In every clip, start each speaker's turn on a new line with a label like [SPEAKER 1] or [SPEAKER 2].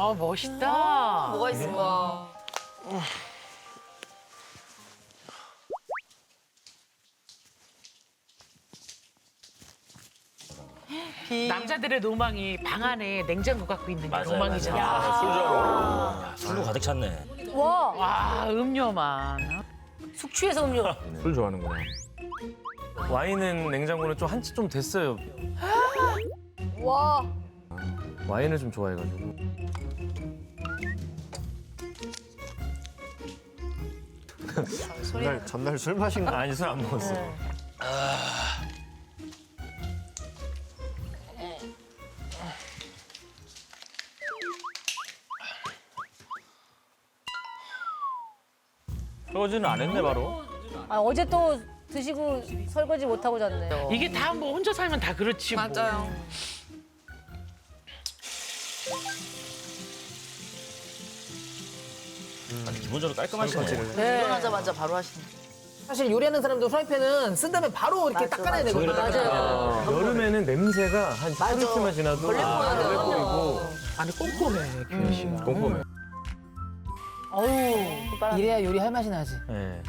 [SPEAKER 1] 아, 멋있다.
[SPEAKER 2] 뭐가 있을까?
[SPEAKER 1] 남자들의 로망이 방 안에 냉장고 갖고 있는 게 로망이잖아.
[SPEAKER 3] 아, 술로 가득 찼네.
[SPEAKER 2] 와,
[SPEAKER 1] 와, 음료만.
[SPEAKER 2] 숙취해서 음료.
[SPEAKER 4] 술 좋아하는구나. 와인은 냉장고는 좀 한치 좀 됐어요.
[SPEAKER 2] 와,
[SPEAKER 4] 와인을 좀 좋아해가지고.
[SPEAKER 5] 전날 술 마신 거.
[SPEAKER 4] 아니 술 안 먹었어. 설거지는 안 했네 바로.
[SPEAKER 2] 아, 어제 또 드시고 설거지 못 하고 잤네.
[SPEAKER 1] 이게 다 뭐 혼자 살면 다 그렇지. 뭐.
[SPEAKER 6] 맞아요.
[SPEAKER 3] 아니, 기본적으로 깔끔하시네.
[SPEAKER 2] 네.
[SPEAKER 6] 일어나자마자 바로 하시네.
[SPEAKER 7] 사실 요리하는 사람도 프라이팬은 쓴 다음에 바로 이렇게 닦아내야 되거든요.
[SPEAKER 2] 맞아요.
[SPEAKER 4] 여름에는 냄새가 한 하루쯤만 지나도
[SPEAKER 2] 걸레
[SPEAKER 4] 뿌리고
[SPEAKER 1] 아니, 꼼꼼해, 규현 씨가.
[SPEAKER 4] 꼼꼼해.
[SPEAKER 2] 어우,
[SPEAKER 7] 이래야 요리할 맛이 나지.
[SPEAKER 4] 네.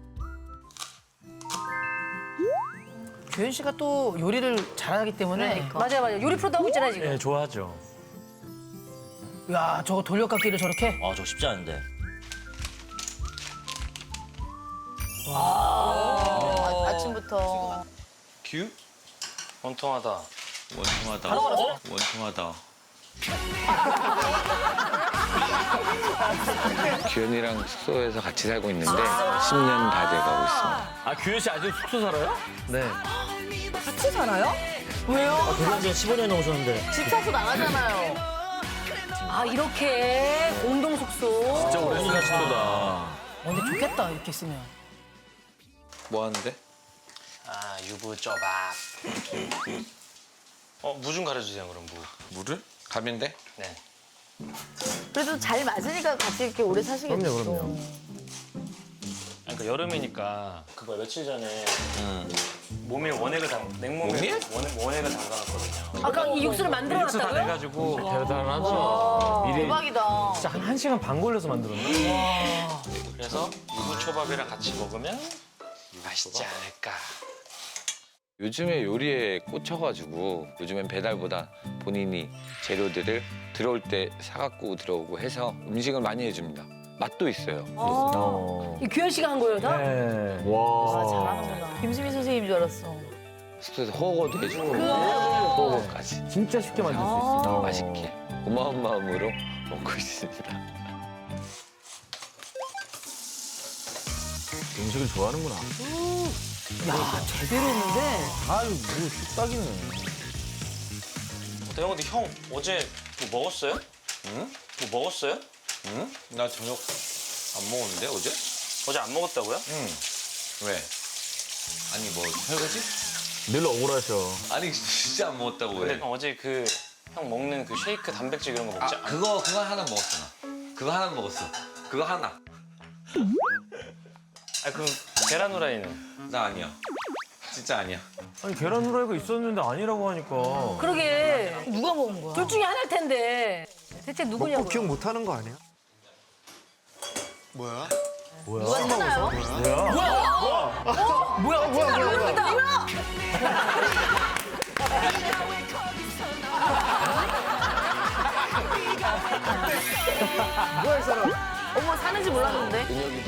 [SPEAKER 7] 규현 씨가 또 요리를 잘하기 때문에
[SPEAKER 2] 맞아요, 맞아요. 요리 프로도 하고 있잖아요, 지금.
[SPEAKER 4] 네, 좋아하죠.
[SPEAKER 7] 야 저거 돌려깎기를 저렇게.
[SPEAKER 3] 아, 저 쉽지 않은데.
[SPEAKER 6] 아침부터.
[SPEAKER 8] 규? 원통하다. 원통하다. 원통하다.
[SPEAKER 9] 규현이랑 숙소에서 같이 살고 있는데 10년 다 돼가고 있습니다.
[SPEAKER 4] 아 규현 씨 아직 숙소 살아요? 네.
[SPEAKER 6] 같이 살아요?
[SPEAKER 3] 결혼 지 15년 넘으셨는데.
[SPEAKER 6] 집사수 나가잖아요.
[SPEAKER 2] 아, 이렇게 공동 숙소.
[SPEAKER 4] 진짜 오래 사신다.
[SPEAKER 7] 근데 좋겠다 이렇게 쓰면.
[SPEAKER 9] 뭐 하는데?
[SPEAKER 8] 아, 유부 쪼밥. 무 좀 가려주세요, 그럼 무.
[SPEAKER 9] 물을? 가면 돼?
[SPEAKER 8] 네.
[SPEAKER 6] 그래도 잘 맞으니까 같이 이렇게 오래 사시겠죠.
[SPEAKER 4] 그럼요.
[SPEAKER 8] 그러니까 여름이니까 그거 며칠 전에 모밀 원액을 냉모밀 원액을 담가놨거든요.
[SPEAKER 2] 아까 이 육수를 만들어
[SPEAKER 4] 육수 다
[SPEAKER 2] 놨다고요?
[SPEAKER 4] 내가지고 대단하죠. 미리
[SPEAKER 6] 대박이다.
[SPEAKER 4] 진짜 한 1시간 반 걸려서 만들었네.
[SPEAKER 8] 그래서 유부 초밥이랑 같이 먹으면 맛있지 않을까.
[SPEAKER 9] 요즘에 요리에 꽂혀가지고 요즘엔 배달보다 본인이 재료들을 들어올 때 사갖고 들어오고 해서 음식을 많이 해줍니다. 맛도 있어요.
[SPEAKER 2] 이 규현 씨가 한 거예요, 다?
[SPEAKER 4] 네.
[SPEAKER 7] 와.
[SPEAKER 6] 잘하는구나. 김수미 선생님인 줄 알았어.
[SPEAKER 9] 숙소에서 호거도 해주고 호거까지
[SPEAKER 4] 진짜 쉽게 만들 수 있어.
[SPEAKER 9] 맛있게 고마운 마음으로 먹고 있습니다.
[SPEAKER 4] 음식을 좋아하는구나.
[SPEAKER 7] 야 제대로 했는데.
[SPEAKER 4] 아유 뭐 뚝딱이네.
[SPEAKER 8] 내가 근데 형 어제 뭐 먹었어요?
[SPEAKER 9] 응?
[SPEAKER 8] 뭐 먹었어요?
[SPEAKER 9] 응? 나 저녁 안 먹었는데 어제?
[SPEAKER 8] 어제 안 먹었다고요?
[SPEAKER 9] 응. 왜? 아니 뭐 설거지?
[SPEAKER 4] 늘 억울하셔.
[SPEAKER 9] 아니 진짜 안 먹었다고
[SPEAKER 8] 근데 형 어제 그 형 먹는 그 쉐이크 단백질 이런 거 먹지?
[SPEAKER 9] 그거 하나 먹었어 나. 그거 하나 먹었어. 그거 하나.
[SPEAKER 8] 아 그럼 계란 후라이는?
[SPEAKER 9] 나 아니야. 진짜 아니야.
[SPEAKER 4] 아니 계란 후라이가 있었는데 아니라고 하니까.
[SPEAKER 2] 그러게.
[SPEAKER 7] 누가 먹은 거야?
[SPEAKER 2] 둘 중에 하나일 텐데. 대체 누구냐고.
[SPEAKER 5] 먹고 기억 못 하는 거 아니야? 뭐야?
[SPEAKER 6] 누가 찾나요? 어머, 사는지 몰랐는데.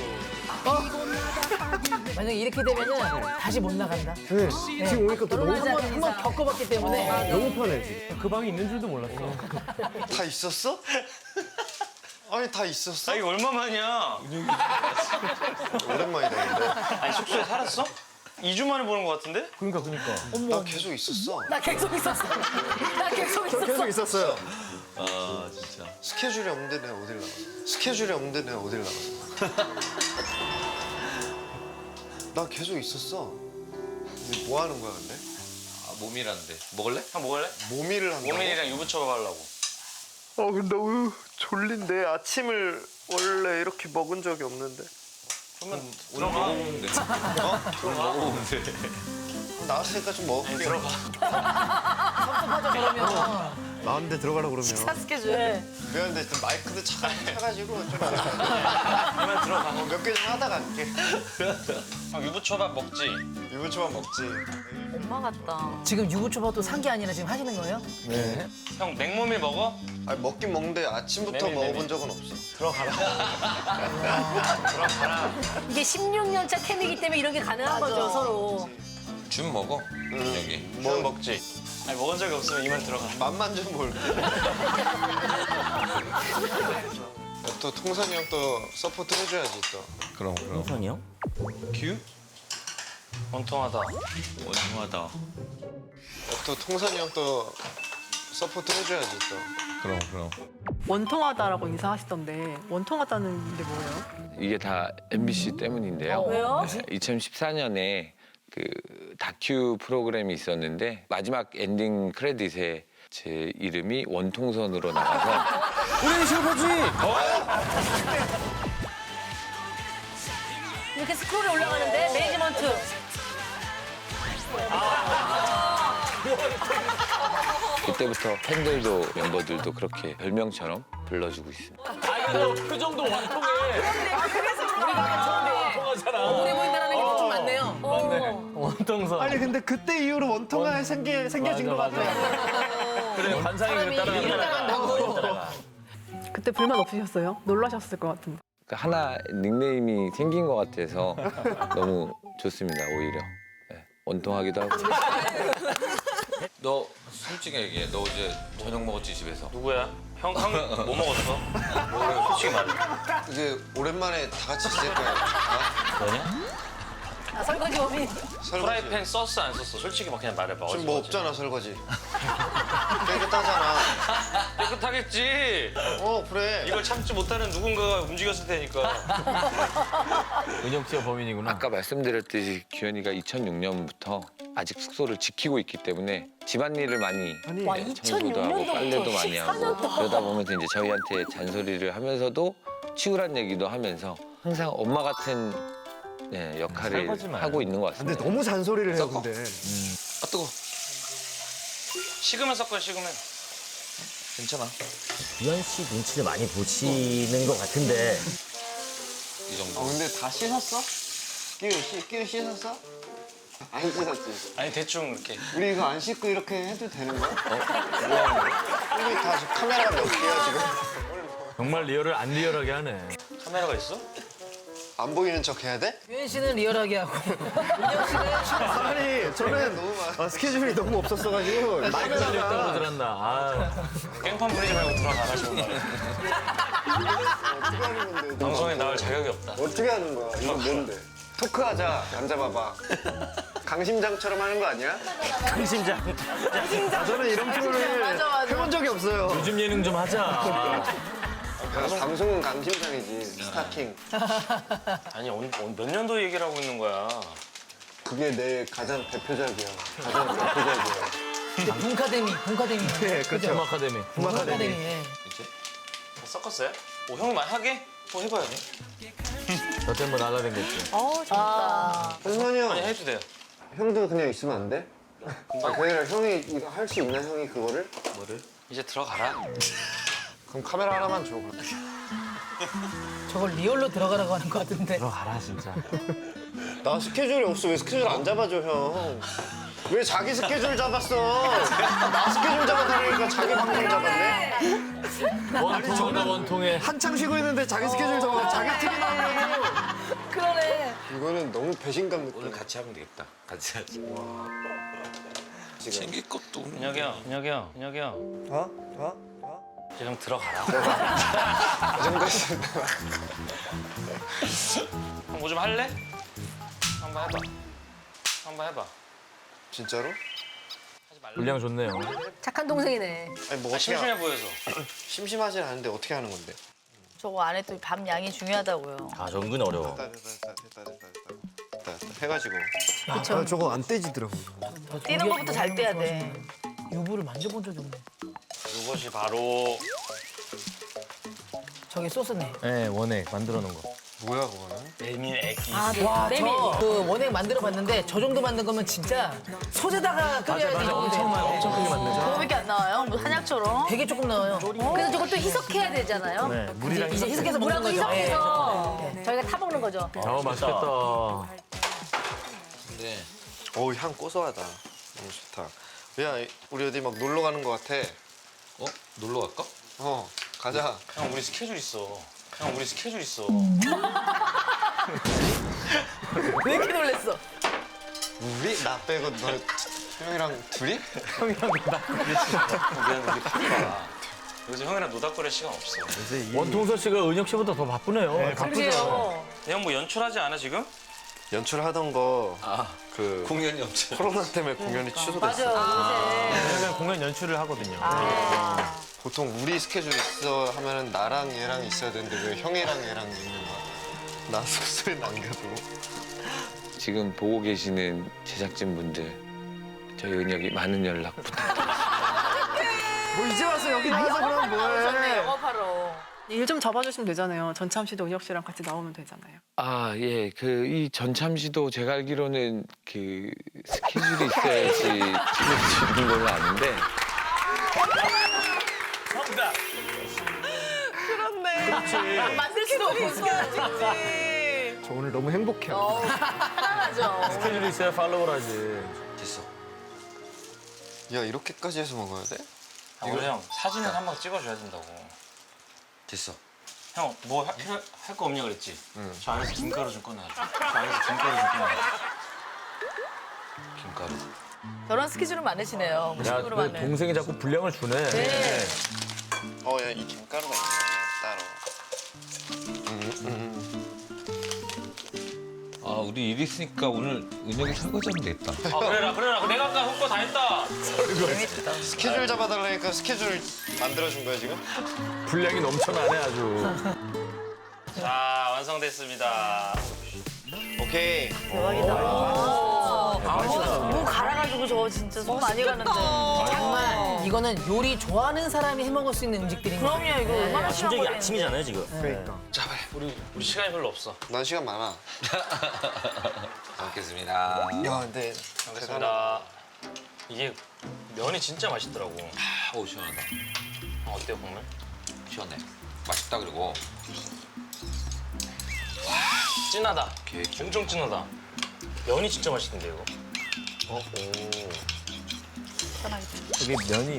[SPEAKER 7] 만약에 이렇게 되면은 다시 못 나간다.
[SPEAKER 5] 네. 지금 오니까 또 너무
[SPEAKER 7] 한번 겪어봤기 때문에.
[SPEAKER 5] 너무 편해 지금.
[SPEAKER 4] 그 방에 있는 줄도 몰랐어.
[SPEAKER 5] 다 있었어? 아니 다 있었어?
[SPEAKER 8] 아 이거 얼마만이야?
[SPEAKER 5] 오랜만이다 근데.
[SPEAKER 8] 아니 숙소에 살았어? 2주 만에 보는 것 같은데?
[SPEAKER 4] 그러니까.
[SPEAKER 5] 나 계속 있었어.
[SPEAKER 2] 나 계속 있었어. 나 계속
[SPEAKER 5] 저
[SPEAKER 2] 있었어.
[SPEAKER 5] 계속 있었어요.
[SPEAKER 9] 아 진짜.
[SPEAKER 5] 스케줄이 없는데 내가 어딜 나갔어? 스케줄이 없는데 내가 어딜 나갔어? 나 계속 있었어. 근데 뭐 하는 거야 근데?
[SPEAKER 9] 아 몸이란데. 먹을래?
[SPEAKER 8] 형 먹을래?
[SPEAKER 5] 모밀을 한다고?
[SPEAKER 8] 모밀이랑 유부초밥 하려고.
[SPEAKER 5] 근데 너무 졸린데 아침을 원래 이렇게 먹은 적이 없는데.
[SPEAKER 8] 그러면
[SPEAKER 9] 오늘
[SPEAKER 8] 들어가.
[SPEAKER 9] 먹어보면 돼. 오늘 먹어보면 돼.
[SPEAKER 5] 나왔으니까 좀 먹을게.
[SPEAKER 8] 들어가.
[SPEAKER 7] 섭섭하죠 그러면.
[SPEAKER 5] 나왔는데 들어가라 그러면.
[SPEAKER 6] 스케줄.
[SPEAKER 5] 미안한데 좀 마이크도 차가지고 좀. 그만 들어가. 몇 개 좀 하다 갈게.
[SPEAKER 8] 형 유부초밥 먹지?
[SPEAKER 5] 유부초밥 먹지.
[SPEAKER 6] 엄마 같다.
[SPEAKER 7] 지금 유부초밥도 산 게 아니라 지금 하시는 거예요?
[SPEAKER 8] 형 냉모밀 먹어?
[SPEAKER 5] 아니 먹긴 먹는데 아침부터
[SPEAKER 8] 메밀,
[SPEAKER 5] 먹어본
[SPEAKER 8] 메밀.
[SPEAKER 5] 적은 없어.
[SPEAKER 2] 이게 16년 차 케미이기 때문에 이런 게 가능한 거죠, 서로.
[SPEAKER 9] 준 먹어. 여기.
[SPEAKER 8] 뭐 먹지? 아니 먹은 적이 없으면 이만 들어가.
[SPEAKER 5] 맛만 좀 볼게. 또 통산이 형 또 서포트 해줘야지 또.
[SPEAKER 9] 그럼.
[SPEAKER 3] 우선이 형?
[SPEAKER 9] 큐?
[SPEAKER 8] 원통하다.
[SPEAKER 9] 원통하다.
[SPEAKER 5] 또 통산이 형 또 서포트 해줘야지 또.
[SPEAKER 9] 그럼.
[SPEAKER 10] 원통하다라고 인사하시던데 원통하다는 게 뭐예요?
[SPEAKER 9] 이게 다 MBC 때문인데요.
[SPEAKER 2] 왜요?
[SPEAKER 9] 2014년에 그 다큐 프로그램이 있었는데 마지막 엔딩 크레딧에 제 이름이 원통선으로 나와서
[SPEAKER 4] 우리 슈퍼주의.
[SPEAKER 2] 이렇게 스크롤이 올라가는데 매니지먼트.
[SPEAKER 9] 그때부터 팬들도 멤버들도 그렇게 별명처럼 불러주고 있습니다.
[SPEAKER 4] 아이고 표정도 원통해.
[SPEAKER 7] 오래 보인다는 게 좀 많네요.
[SPEAKER 4] 원통선.
[SPEAKER 5] 아니 근데 그때 이후로 원통가 생겨진 것 같아요.
[SPEAKER 4] 그래 관상이 따라.
[SPEAKER 10] 그때 불만 없으셨어요? 놀라셨을 것 같은데.
[SPEAKER 9] 그러니까 하나 닉네임이 생긴 것 같아서 너무 좋습니다. 오히려 원통하기도 하고. 너 솔직히 얘기해. 너 어제 저녁 먹었지 집에서?
[SPEAKER 8] 누구야? 형 뭐 먹었어? 솔직히 말해.
[SPEAKER 5] 이제 오랜만에 다 같이 있을 거야.
[SPEAKER 2] 아, 설거지 범인.
[SPEAKER 5] 설거지.
[SPEAKER 8] 프라이팬 썼어 안 썼어? 솔직히 막 그냥 말해봐.
[SPEAKER 5] 지금 뭐 없잖아 설거지. 깨끗하잖아.
[SPEAKER 8] 깨끗하겠지.
[SPEAKER 5] 그래.
[SPEAKER 8] 이걸 참지 못하는 누군가가 움직였을 테니까.
[SPEAKER 4] 은혁 씨가 범인이구나.
[SPEAKER 9] 아까 말씀드렸듯이 규현이가 2006년부터 아직 숙소를 지키고 있기 때문에 집안일을 많이
[SPEAKER 2] 와,
[SPEAKER 9] 청소도 하고
[SPEAKER 2] 2006년부터
[SPEAKER 9] 빨래도 많이 하고
[SPEAKER 2] 14년
[SPEAKER 9] 그러다 보면서 이제 저희한테 잔소리를 하면서도 치우란 얘기도 하면서 항상 엄마 같은 역할을
[SPEAKER 4] 설거지 마요.
[SPEAKER 9] 하고 있는 것 같습니다.
[SPEAKER 5] 너무 잔소리를 해요
[SPEAKER 9] 섞어.
[SPEAKER 5] 근데.
[SPEAKER 9] 아 뜨거.
[SPEAKER 8] 식으면 섞어 식으면.
[SPEAKER 9] 괜찮아.
[SPEAKER 3] 유한 씨 눈치를 많이 보시는 것 같은데
[SPEAKER 9] 이 정도.
[SPEAKER 5] 근데 다 씻었어? 끼우 씻었어? 안 씻었지.
[SPEAKER 8] 아니 대충 이렇게.
[SPEAKER 5] 우리 이거 안 씻고 이렇게 해도 되는 거야? 우리 다 지금 카메라가 몇 개야 지금?
[SPEAKER 4] 정말 리얼을 안 리얼하게 하네.
[SPEAKER 8] 카메라가 있어?
[SPEAKER 5] 안 보이는 척 해야 돼?
[SPEAKER 7] 유현 씨는 리얼하게 하고 은혁 씨는
[SPEAKER 5] 아니 저는 스케줄이 너무 없었어가지고
[SPEAKER 4] 마이크 달렸다고 들었나. 아.
[SPEAKER 8] 깽판 부리지 말고 들어가라 지금.
[SPEAKER 5] 어떻게 하는 건데?
[SPEAKER 8] 방송에 나올 자격이 없다.
[SPEAKER 5] 어떻게 하는 거야? 이거 뭔데? 토크하자. 앉아봐봐. 강심장처럼 하는 거 아니야?
[SPEAKER 3] 강심장.
[SPEAKER 5] 저는 이런 프로를 해본 적이 없어요.
[SPEAKER 4] 요즘 예능 좀 하자.
[SPEAKER 5] 방송은 강심장이지. 스타킹.
[SPEAKER 8] 아니 몇 년도 얘기를 하고 있는 거야.
[SPEAKER 5] 그게 내 가장 대표작이야. 가장 대표작이야.
[SPEAKER 7] 문카데미.
[SPEAKER 5] 네, 그렇죠.
[SPEAKER 4] 아카데미.
[SPEAKER 7] 문카데미. 예.
[SPEAKER 8] 다 섞었어요? 형이 많이 하게? 해봐요.
[SPEAKER 4] 저 때문에 날라댕겼지.
[SPEAKER 5] 현만이 형,
[SPEAKER 8] 아니 해도 돼요.
[SPEAKER 5] 형도 그냥 있으면 안 돼? 그게 아니라 형이 이거 할 수 있나, 형이 그거를?
[SPEAKER 8] 이제 들어가라.
[SPEAKER 5] 그럼 카메라 하나만 줘.
[SPEAKER 7] 저걸 리얼로 들어가라고 하는 것 같은데.
[SPEAKER 4] 들어가라 진짜.
[SPEAKER 5] 나 스케줄이 없어. 왜 스케줄 안 잡아줘, 형? 왜 자기 스케줄 잡았어? 나 스케줄 잡아달라니까 자기 방송 잡았네?
[SPEAKER 4] 원통하다 원통해.
[SPEAKER 5] 한창 쉬고 있는데 자기 스케줄 잡아 자기 TV 나오려고.
[SPEAKER 2] 그러네.
[SPEAKER 5] 이거는 너무 배신감 느껴.
[SPEAKER 9] 오늘 같이 하면 되겠다. 같이 하지.
[SPEAKER 5] 지금.
[SPEAKER 9] 챙길 것도 없네.
[SPEAKER 8] 민혁이 형. 이제 형 들어가라.
[SPEAKER 5] 이 정도였으면.
[SPEAKER 8] 형 뭐 좀 할래? 한번 해봐.
[SPEAKER 5] 진짜로?
[SPEAKER 8] 하지 말라.
[SPEAKER 4] 분량 좋네요.
[SPEAKER 2] 착한 동생이네.
[SPEAKER 5] 아니 뭐 어떻게
[SPEAKER 8] 심심해 보여서.
[SPEAKER 5] 심심하진 않은데 어떻게 하는 건데?
[SPEAKER 6] 저거 안에 또 밥 양이 중요하다고요.
[SPEAKER 3] 아 은근 어려워.
[SPEAKER 5] 됐다. 해가지고.
[SPEAKER 2] 그쵸.
[SPEAKER 5] 저거 안 떼지더라고.
[SPEAKER 6] 뛰는 것부터 잘 떼야 돼.
[SPEAKER 7] 유부를 만져본 적이 없네.
[SPEAKER 8] 이것이 바로
[SPEAKER 7] 저게 소스네.
[SPEAKER 4] 네 원액 만들어 놓은 거.
[SPEAKER 5] 뭐야 그거는?
[SPEAKER 8] 메밀 액기.
[SPEAKER 7] 와,
[SPEAKER 2] 메밀.
[SPEAKER 7] 그 원액 만들어 봤는데 저 정도 만든 거면 진짜 솥에다가 끓여야지.
[SPEAKER 4] 엄청 크게 만들죠.
[SPEAKER 6] 그거밖에 안 나와요? 뭐 한약처럼.
[SPEAKER 7] 되게 조금 나와요.
[SPEAKER 2] 그래서 저걸 또 희석해야 되잖아요.
[SPEAKER 4] 네, 물이랑
[SPEAKER 7] 이제 희석해서 먹는
[SPEAKER 2] 물하고
[SPEAKER 7] 거죠.
[SPEAKER 2] 희석해서
[SPEAKER 7] 예.
[SPEAKER 2] 저희가 타 먹는 거죠.
[SPEAKER 4] 맛있겠다.
[SPEAKER 9] 네.
[SPEAKER 5] 어우, 향 고소하다. 너무 좋다. 야, 우리 어디 막 놀러 가는 것 같아.
[SPEAKER 9] 놀러 갈까?
[SPEAKER 5] 가자.
[SPEAKER 8] 형 우리 스케줄 있어. 형 우리 스케줄 있어.
[SPEAKER 7] 왜 이렇게 놀랬어?
[SPEAKER 5] 우리? 나 빼고 너 형이랑 둘이?
[SPEAKER 8] 미안 우리 바빠. 요즘 형이랑 노닥거릴 시간 없어.
[SPEAKER 4] 원통서 씨가 은혁 씨보다 더 바쁘네요.
[SPEAKER 2] 그래요.
[SPEAKER 8] 형 뭐 연출하지 않아 지금?
[SPEAKER 5] 연출하던 거
[SPEAKER 9] 공연이 없죠.
[SPEAKER 5] 코로나 때문에 공연이 취소됐어.
[SPEAKER 2] 맞아요. 요새.
[SPEAKER 4] 저희는 공연 연출을 하거든요.
[SPEAKER 5] 보통 우리 스케줄 있어 하면은 나랑 얘랑 있어야 되는데 왜 형이랑 얘랑 있는 거야? 나 숙소에 남겨두고.
[SPEAKER 9] 지금 보고 계시는 제작진분들 저희 은혁이 많은 연락 부탁드립니다.
[SPEAKER 5] 뭐 이제 와서 여기 나와서 그럼 뭐해?
[SPEAKER 2] 영업하러.
[SPEAKER 10] 일 좀 잡아주시면 되잖아요. 전참 씨도 은혁 씨랑 같이 나오면 되잖아요.
[SPEAKER 9] 아, 예. 이 전참 씨도 제가 알기로는 그 스케줄이 있어야지 찍을 수 있는 걸로 아는데.
[SPEAKER 2] 만들 수도 없어.
[SPEAKER 5] 저 오늘 너무 행복해요.
[SPEAKER 2] 편안하죠.
[SPEAKER 4] 스케줄이 있어야 팔로우를 하지.
[SPEAKER 9] 됐어.
[SPEAKER 5] 야, 이렇게까지 해서 먹어야 돼?
[SPEAKER 8] 원래 형 사진은 한 방 찍어줘야 된다고.
[SPEAKER 9] 됐어.
[SPEAKER 8] 형 뭐 할 거 없냐 그랬지?
[SPEAKER 5] 응.
[SPEAKER 8] 저 안에서 김가루 좀 꺼내줘. 저 안에서 김가루 좀 꺼내줘.
[SPEAKER 9] 김가루.
[SPEAKER 2] 저런 스케줄은 많으시네요.
[SPEAKER 4] 야,
[SPEAKER 2] 무식으로
[SPEAKER 4] 그
[SPEAKER 2] 많은.
[SPEAKER 4] 동생이 자꾸 분량을 주네.
[SPEAKER 2] 네.
[SPEAKER 5] 야, 이 김가루가 있네, 따로.
[SPEAKER 9] 아, 우리 일 있으니까 오늘 은혁이 설거지하면 되겠다.
[SPEAKER 8] 그래라. 내가 아까 헛거 다 했다.
[SPEAKER 5] 스케줄 잡아달라니까 스케줄 만들어준 거야, 지금?
[SPEAKER 4] 분량이 넘쳐나네 아주.
[SPEAKER 8] 자 완성됐습니다.
[SPEAKER 5] 오케이.
[SPEAKER 6] 무 갈아가지고 저거 진짜 손 많이 가는데.
[SPEAKER 7] 정말 이거는 요리 좋아하는 사람이 해 먹을 수 있는 음식들인 거예요.
[SPEAKER 6] 그럼요, 이거 얼마나 심한
[SPEAKER 3] 갑자기
[SPEAKER 6] 거예요.
[SPEAKER 3] 아침이잖아요 지금.
[SPEAKER 5] 그러니까.
[SPEAKER 8] 우리 시간이 별로 없어.
[SPEAKER 5] 난 시간 많아.
[SPEAKER 9] 잘 먹겠습니다.
[SPEAKER 5] 야, 근데
[SPEAKER 8] 알겠습니다. 이게 면이 진짜 맛있더라고.
[SPEAKER 9] 오, 시원하다.
[SPEAKER 8] 어때요 국물?
[SPEAKER 9] 시원해. 맛있다, 그리고.
[SPEAKER 8] 진하다.
[SPEAKER 9] 계획
[SPEAKER 8] 엄청 진하다. 면이 진짜 맛있던데 이거.
[SPEAKER 4] 이게 면이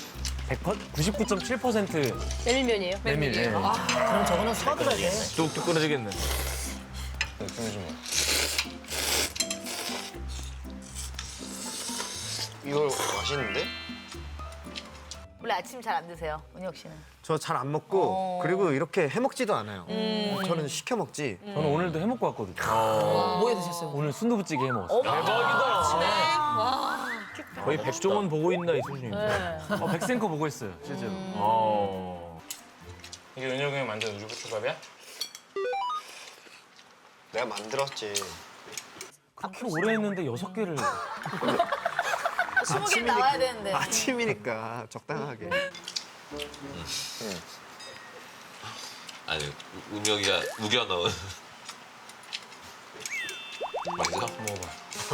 [SPEAKER 4] 99.7%
[SPEAKER 2] 메밀면이에요?
[SPEAKER 4] 메밀이에요.
[SPEAKER 7] 그럼 저거는 수박으로 해야 돼.
[SPEAKER 4] 뚝뚝 끊어지겠네.
[SPEAKER 8] 국물 좀.
[SPEAKER 5] 이거 맛있는데?
[SPEAKER 6] 원래 아침 잘 안 드세요, 은혁 씨는.
[SPEAKER 5] 저 잘 안 먹고 그리고 이렇게 해 먹지도 않아요. 저는 시켜 먹지.
[SPEAKER 4] 저는 오늘도 해 먹고 왔거든요.
[SPEAKER 7] 뭐 해 드셨어요?
[SPEAKER 4] 오늘 순두부찌개 해 먹었어요. 대박이다. 거의 백종원 보고 있나 이 수준입니다. 백센커 보고 있어요 실제로.
[SPEAKER 8] 이게 은혁이 형이 만든 우주부초밥이야?
[SPEAKER 5] 내가 만들었지.
[SPEAKER 4] 그렇게 오래 했는데 6개를.
[SPEAKER 6] 20개 나와야 되는데.
[SPEAKER 5] 아침이니까 적당하게.
[SPEAKER 9] 아니, 은혁이가 우겨 넣은. 맛있어?
[SPEAKER 8] 먹어봐.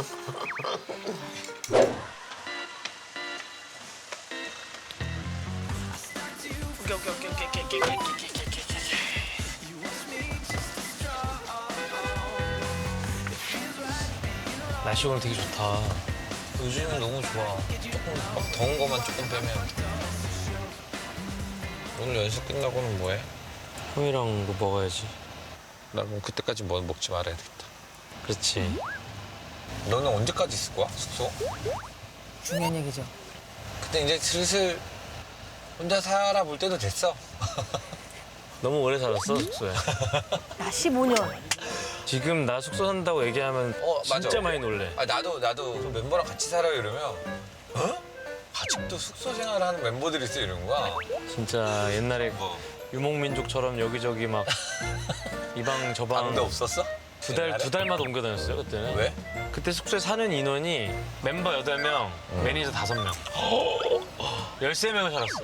[SPEAKER 8] 날씨 오늘 되게 좋다.
[SPEAKER 9] 요즘은 너무 좋아. 조금 막 더운 거만 조금 빼면. 오늘 연습 끝나고는 뭐해?
[SPEAKER 8] 형이랑 뭐 먹어야지.
[SPEAKER 9] 나 그럼 그때까지 뭐 먹지 말아야 되겠다.
[SPEAKER 8] 그렇지.
[SPEAKER 9] 너는 언제까지 있을 거야, 숙소?
[SPEAKER 7] 중요한 얘기죠.
[SPEAKER 9] 그때 이제 슬슬 혼자 살아볼 때도 됐어.
[SPEAKER 8] 너무 오래 살았어 숙소에.
[SPEAKER 6] 나 15년.
[SPEAKER 8] 지금 나 숙소 산다고 얘기하면
[SPEAKER 9] 맞아.
[SPEAKER 8] 진짜 많이 놀래.
[SPEAKER 9] 아, 나도 멤버랑 같이 살아요 이러면 아직도 숙소 생활하는 멤버들이 있어 이러는 거야.
[SPEAKER 8] 진짜 옛날에
[SPEAKER 9] 뭐
[SPEAKER 8] 유목민족처럼 여기저기 막 이 방 저 방
[SPEAKER 9] 방도 없었어?
[SPEAKER 8] 두 달마다 옮겨 다녔어요 그때는.
[SPEAKER 9] 왜?
[SPEAKER 8] 그때 숙소에 사는 인원이 멤버 8명, 매니저 5명. 13명을 살았어.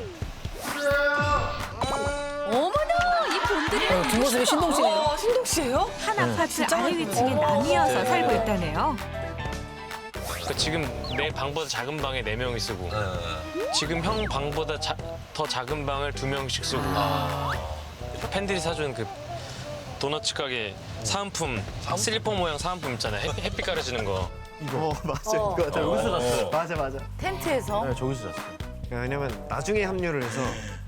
[SPEAKER 2] 어머나, 이 곤드레.
[SPEAKER 7] 뒷모습이 신동씨네요.
[SPEAKER 6] 신동 씨예요?
[SPEAKER 11] 한 아파트 아래 위층에 나뉘어서 살고 있다네요.
[SPEAKER 8] 그러니까 지금 내 방보다 작은 방에 4명이 쓰고 지금 형 방보다 더 작은 방을 2명씩 쓰고 팬들이 사준 그 도너츠 가게 사은품 슬리퍼 모양 사은품 있잖아요. 햇빛 가려지는 거.
[SPEAKER 5] 맞아. 이거 나 여기서 잤어. 맞아.
[SPEAKER 6] 텐트에서.
[SPEAKER 4] 네, 저기서 잤어요.
[SPEAKER 5] 왜냐면 나중에 합류를 해서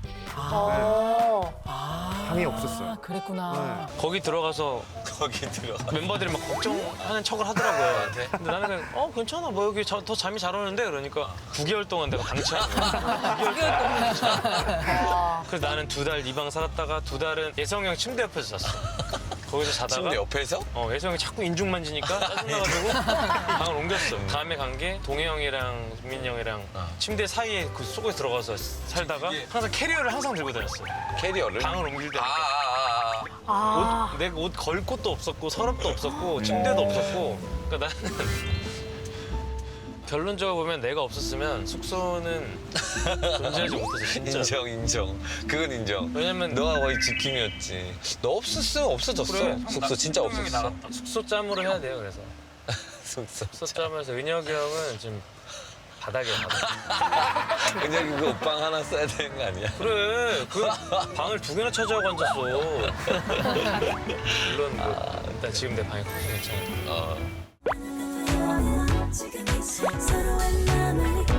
[SPEAKER 5] 방이 없었어요.
[SPEAKER 7] 아, 그랬구나.
[SPEAKER 8] 거기 들어가서 멤버들이 막 걱정하는 척을 하더라고요. 근데 나는 그냥 괜찮아 뭐 여기 더 잠이 잘 오는데 그러니까 9개월 동안 내가 방치한 거야. 9개월 동안. 그래서 나는 2달 이 방 살았다가 2달은 예성이 형 침대 옆에서 잤어. 거기서 자다가
[SPEAKER 9] 침대 옆에서?
[SPEAKER 8] 예성이 자꾸 인중 만지니까 짜증나가지고 방을 옮겼어. 다음에 간 게 동해 형이랑 민이 형이랑 침대 사이에 그 속에 들어가서 살다가 항상 캐리어를 항상 들고 다녔어.
[SPEAKER 9] 캐리어를?
[SPEAKER 8] 방을 옮길 때. 내가 옷 걸 곳도 없었고 서랍도 없었고 침대도 없었고 그러니까 나는 결론적으로 보면 내가 없었으면 숙소는 존재하지 못했어 진짜.
[SPEAKER 9] 인정. 그건 인정.
[SPEAKER 8] 왜냐면
[SPEAKER 9] 너가 거의 지킴이었지. 너 없었으면 없어졌어.
[SPEAKER 8] 그래.
[SPEAKER 9] 숙소 진짜 없었어.
[SPEAKER 8] 숙소 짬으로 해야 돼요 그래서. 숙소 짬에서 은혁이 형은 지금 바닥에 바닥.
[SPEAKER 9] 그냥 이거 옷방 하나 써야 되는 거 아니야?
[SPEAKER 8] 그래 그 방을 2개나 차지하고 앉았어. 물론 일단 지금 내 방이 커서 괜찮아.
[SPEAKER 12] 지금 서로의 마음을